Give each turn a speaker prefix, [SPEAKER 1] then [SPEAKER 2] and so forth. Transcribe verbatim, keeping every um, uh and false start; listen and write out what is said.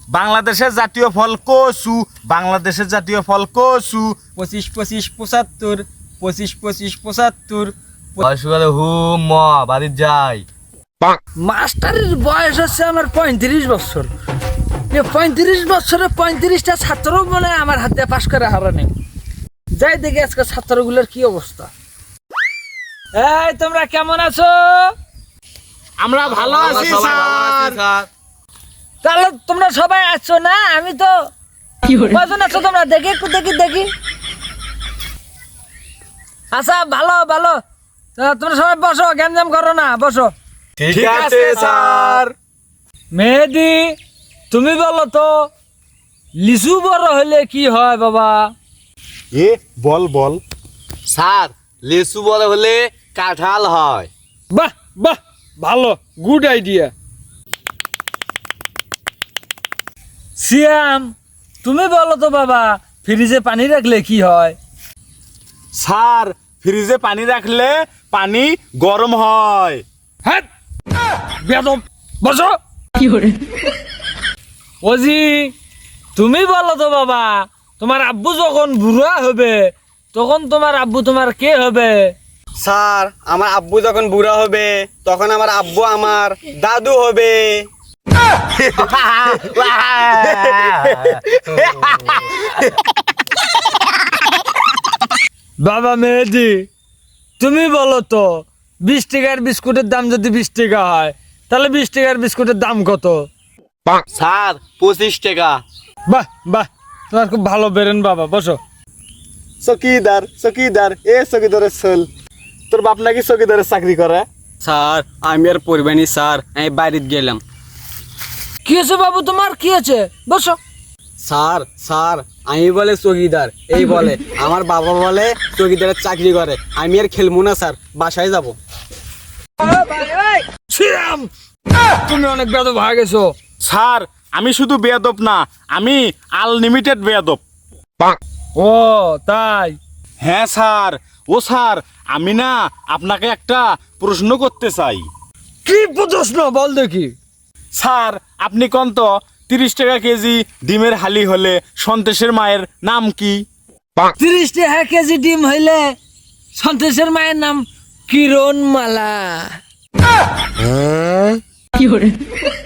[SPEAKER 1] বাংলাদেশের জাতীয় ফল কচু, বাংলাদেশের জাতীয় ফল কচু।
[SPEAKER 2] পঁচিশ পঁচিশ পঁচাত্তর, পঁচিশ পঁচিশ পঁচাত্তর।
[SPEAKER 3] বয়সকালে হু ম বাড়ির যাই।
[SPEAKER 4] মাস্টারের বয়স হচ্ছে আমার পঁয়ত্রিশ বছর। এ পঁয়ত্রিশ বছরে পঁয়ত্রিশটা ছাত্র মানে আমার হাতে পাশ করে হারানি। যাই দেখি আজকে ছাত্রগুলোর কি অবস্থা। এই তোমরা কেমন আছো?
[SPEAKER 1] আমরা ভালো আছি স্যার।
[SPEAKER 4] তাহলে তোমরা সবাই আছো না? আমি তো কজন আছো তোমরা? দেখি একটু দেখি দেখি। আচ্ছা ভালো ভালো, তা তোমরা সবাই বসো, গ্যাঞ্জাম করো না, বসো।
[SPEAKER 1] ঠিক আছে স্যার।
[SPEAKER 4] মেহেদি, তুমি বলো তো লিচু বড় হলে কি হয় বাবা?
[SPEAKER 1] এ বল বল।
[SPEAKER 3] স্যার লেসু বড় হলে কাঁঠাল হয়।
[SPEAKER 4] বাহ বাহ, ভালো, গুড আইডিয়া। সিয়াম, তুমি বলো তো বাবা ফ্রিজে পানি রাখলে কি হয়?
[SPEAKER 1] স্যার ফ্রিজে পানি রাখলে পানি গরম হয়।
[SPEAKER 4] হ্যাঁ বেদম, বসো। ওজি, তুমি বলো তো বাবা তোমার আব্বু যখন বুড়া হবে তখন তোমার আব্বু তোমার কে হবে?
[SPEAKER 3] স্যার আমার আব্বু যখন বুড়া হবে তখন আমার আব্বু আমার দাদু হবে।
[SPEAKER 4] বাবা মেহেদি, তুমি বলো তো বিশ টাকার বিস্কুটের দাম যদি বিশ টাকা হয় তাহলে বিশ টাকার বিস্কুটের দাম কত?
[SPEAKER 3] স্যার পঁচিশ টাকা।
[SPEAKER 4] বাহ বাহ, তোমার খুব ভালো বেরেন বাবা, বসো।
[SPEAKER 1] চকিদার চকিদার এ চকিদারের ছেল, তোর বাপ নাকি চকিদারের চাকরি করে?
[SPEAKER 3] স্যার আমি আর পড়বেনি স্যার, আমি বাড়িতে গেলাম।
[SPEAKER 4] কি হয়েছে বাবু তোমার, কি হয়েছে? বসো।
[SPEAKER 3] স্যার স্যার আমি বলে চকিদার, এই বলে আমার বাবা বলে চকিদারের চাকরি করে। আমি আর খেলবো না স্যার, বাসায় যাব।
[SPEAKER 4] শ্রীরাম, তুমি অনেক বেদব হয়ে গেছো।
[SPEAKER 1] স্যার আমি শুধু বেয়াদব না, আমি আনলিমিটেড বেয়াদব।
[SPEAKER 4] ও তাই?
[SPEAKER 1] হ্যাঁ স্যার। ও স্যার, আমি না আপনাকে একটা প্রশ্ন করতে চাই।
[SPEAKER 4] কি প্রশ্ন বল দেখি।
[SPEAKER 1] স্যার আপনি কোন তো তিরিশ টাকা কেজি ডিমের হালি হলে সন্তেশের মায়ের নাম কি?
[SPEAKER 4] তিরিশ টাকা কেজি ডিম হইলে সন্তোষের মায়ের নাম কিরণ মালা।